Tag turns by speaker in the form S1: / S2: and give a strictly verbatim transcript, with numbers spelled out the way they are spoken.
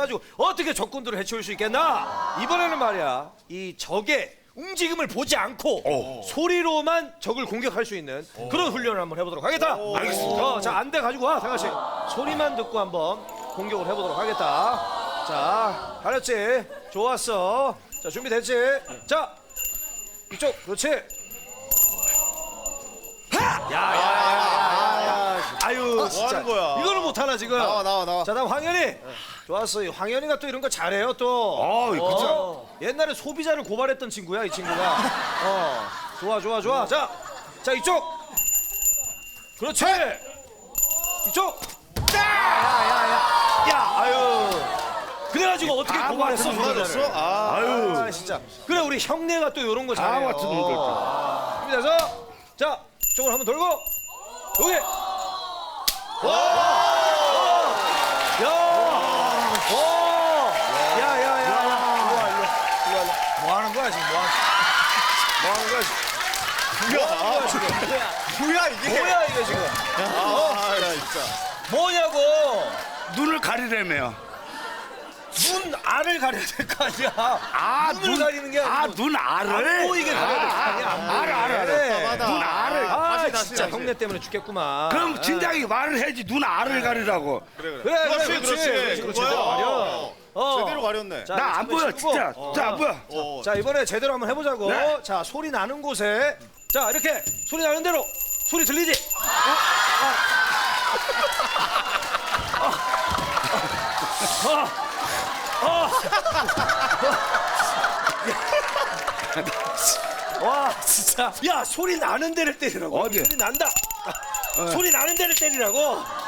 S1: 해가지고 어떻게 적군들을 해치울 수 있겠나? 이번에는 말이야 이 적의 움직임을 보지 않고 오. 소리로만 적을 공격할 수 있는 오. 그런 훈련을 한번 해보도록 하겠다.
S2: 오.
S1: 알겠습니다. 어, 자 안대 가지고 와 상아씨. 소리만 듣고 한번 공격을 해보도록 하겠다. 자 알았지? 좋았어. 자 준비됐지? 자 이쪽 그렇지. 야야야야야. 아유 진짜.
S2: 뭐 하는 거야?
S1: 이거는 못하나 지금.
S2: 나와 나와 나와.
S1: 자 다음 황현이. 좋았어. 이 황현이가 또 이런 거 잘해요 또.
S3: 어, 그쵸.
S1: 어, 옛날에 소비자를 고발했던 친구야 이 친구가. 어 좋아 좋아 좋아. 자, 자 이쪽. 그렇지. 이쪽. 야야야야. 야 아유. 그래가지고 어떻게 고발했어?
S2: 도와줬어?
S1: 소비자를.
S2: 아,
S3: 아유.
S1: 아 진짜. 그래 우리 형네가 또 이런 거
S3: 다
S1: 잘해요.
S3: 같은 놈들.
S1: 준비돼서 자 이쪽으로 한번 돌고 여기. 와. 야. 오. 야야야야. 일로 와 일로 와 일로 와. 뭐 하는 거야 지금 뭐 하는 뭐 하는 거야 지금.
S2: 뭐야?
S1: 뭐야 지금.
S2: 뭐야 이게?
S1: 뭐야 이게 지금.
S2: 아, 야, 진짜.
S1: 뭐냐고.
S3: 눈을 가리려며.
S1: 눈 알을 가려야 될 거 아니야.
S3: 아,
S1: 눈을
S3: 눈,
S1: 가리는 게 아니고.
S3: 아, 눈 알을?
S1: 안 보이게 가려야 될 거 아니야. 안 보이게.
S3: 알아, 알아, 알아.
S2: 답답하다.
S3: 눈 알을.
S1: 아
S2: 다시, 다시,
S1: 진짜
S2: 다시.
S1: 형네 때문에 죽겠구만.
S3: 그럼 진작에 말을 해야지 눈 알을 가리라고.
S2: 그래 그래.
S1: 그래,
S2: 그렇지
S1: 그래,
S2: 그렇지.
S1: 그렇지, 그렇지,
S2: 그거야.
S1: 제대로 가려. 어.
S2: 제대로 가렸네.
S1: 자,
S3: 나 안
S1: 이거
S3: 보여,
S1: 치우고.
S3: 진짜.
S1: 어.
S3: 진짜 안 보여.
S2: 어.
S1: 자 이번에 제대로 한번 해보자고.
S3: 네.
S1: 자 소리 나는 곳에 자 이렇게 소리 나는 대로 소리 들리지? 와 진짜 야 소리 나는 데를 때리라고.
S3: 어디?
S1: 소리 난다. 소리 나는 데를 때리라고.